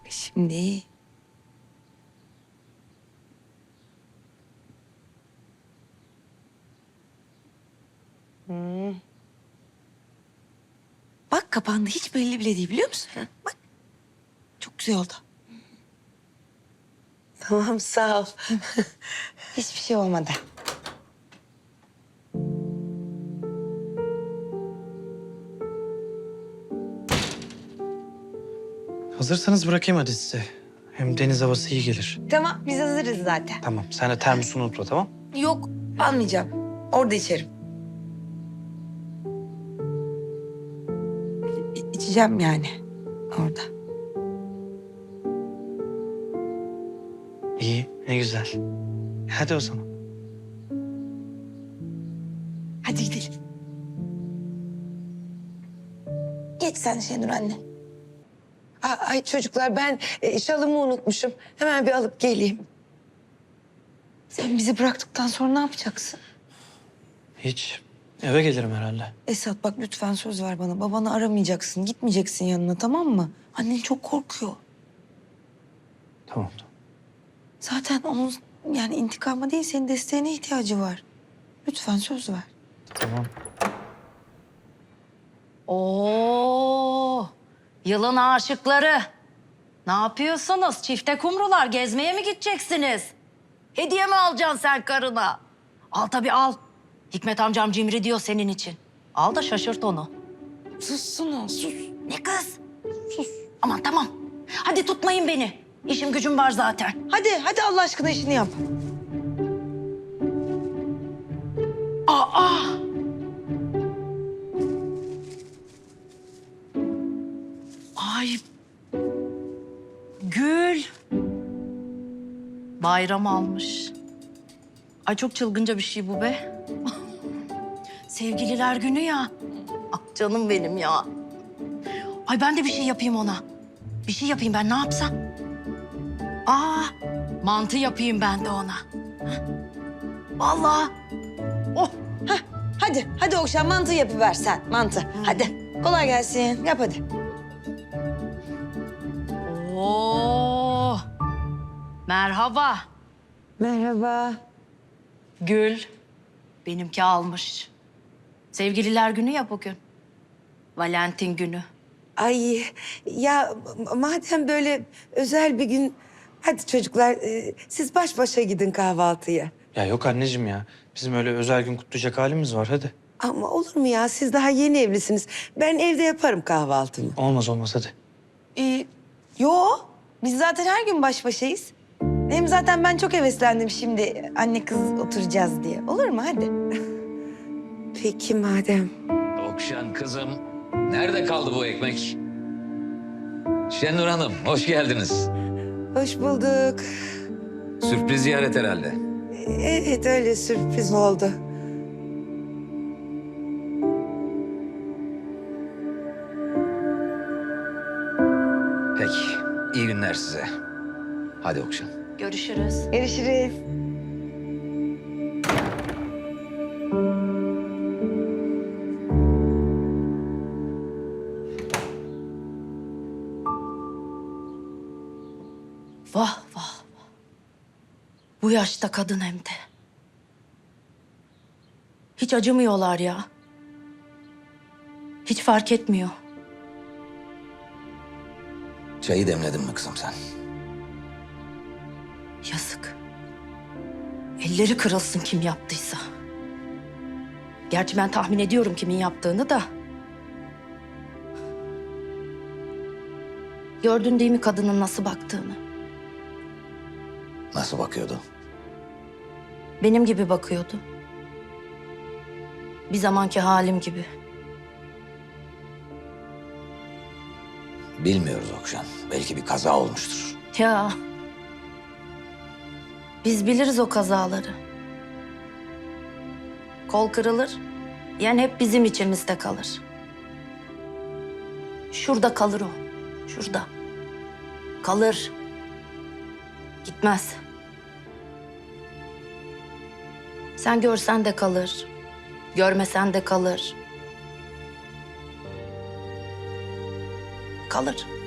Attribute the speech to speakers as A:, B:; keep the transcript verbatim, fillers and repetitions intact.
A: Şimdi... Hmm. Bak kapandı. Hiç belli bile değil biliyor musun? Bak. Çok güzel oldu.
B: Tamam sağ ol.
A: Hiçbir şey olmadı.
C: Hazırsanız bırakayım hadi size. Hem deniz havası iyi gelir.
A: Tamam biz hazırız zaten.
C: Tamam, sen de termosunu unutma, tamam?
A: Yok almayacağım. Orada içerim. İ- içeceğim yani orada.
C: İyi, ne güzel. Hadi o zaman.
A: Hadi gidelim. Geç sen Şenur anne.
B: Aa, ay çocuklar ben e, şalımı unutmuşum. Hemen bir alıp geleyim.
A: Sen bizi bıraktıktan sonra ne yapacaksın?
C: Hiç. Eve gelirim herhalde.
A: Esat bak lütfen söz ver bana. Babanı aramayacaksın. Gitmeyeceksin yanına tamam mı? Annen çok korkuyor.
C: Tamam, tamam.
A: Zaten onun yani intikama değil senin desteğine ihtiyacı var. Lütfen söz ver.
C: Tamam.
D: Oo, yılın aşıkları. Ne yapıyorsunuz? Çifte kumrular gezmeye mi gideceksiniz? Hediye mi alacaksın sen karına? Al tabii al. Hikmet amcam cimri diyor senin için. Al da şaşırt onu.
A: Sussana sus.
D: Ne kız? Sus. Aman tamam. Hadi tutmayın beni. İşim gücüm var zaten.
A: Hadi hadi Allah aşkına işini yap.
D: Aa! Ay. Gül. Bayram almış. Ay çok çılgınca bir şey bu be. Sevgililer günü ya. Ah canım benim ya. Ay ben de bir şey yapayım ona. Bir şey yapayım ben ne yapsam? Aa mantı yapayım ben de ona. Heh. Vallahi. Oh.
A: Hadi hadi Okşan mantı yapıver sen mantı. Hadi kolay gelsin yap hadi.
D: Oo. Merhaba.
B: Merhaba.
D: Gül. Benimki almış. Sevgililer günü ya bugün. Valentin günü.
B: Ay ya m- madem böyle özel bir gün... Hadi çocuklar e, siz baş başa gidin kahvaltıya.
C: Ya yok anneciğim ya. Bizim öyle özel gün kutlayacak halimiz var, hadi.
B: Ama olur mu ya siz daha yeni evlisiniz. Ben evde yaparım kahvaltımı.
C: Olmaz olmaz, hadi.
A: Ee, yo biz zaten her gün baş başayız. Hem zaten ben çok heveslendim şimdi anne kız oturacağız diye. Olur mu hadi?
B: Peki madem.
E: Okşan kızım, nerede kaldı bu ekmek? Şenur Hanım, hoş geldiniz.
B: Hoş bulduk.
E: Sürpriz ziyaret herhalde.
B: Evet öyle sürpriz oldu.
E: Peki, iyi günler size. Hadi Okşan.
D: Görüşürüz.
A: Görüşürüz.
D: Vah vah vah. Bu yaşta kadın hem de. Hiç acımıyorlar ya. Hiç fark etmiyor.
E: Çayı demledin mi kızım sen?
D: Yazık. Elleri kırılsın kim yaptıysa. Gerçi ben tahmin ediyorum kimin yaptığını da. Gördün değil mi kadının nasıl baktığını?
E: Nasıl bakıyordu?
D: Benim gibi bakıyordu. Bir zamanki halim gibi.
E: Bilmiyoruz Okşan. Belki bir kaza olmuştur.
D: Ya. Biz biliriz o kazaları. Kol kırılır, yani hep bizim içimizde kalır. Şurada kalır o, şurada. Kalır. Gitmez. Sen görsen de kalır, görmesen de kalır. Kalır.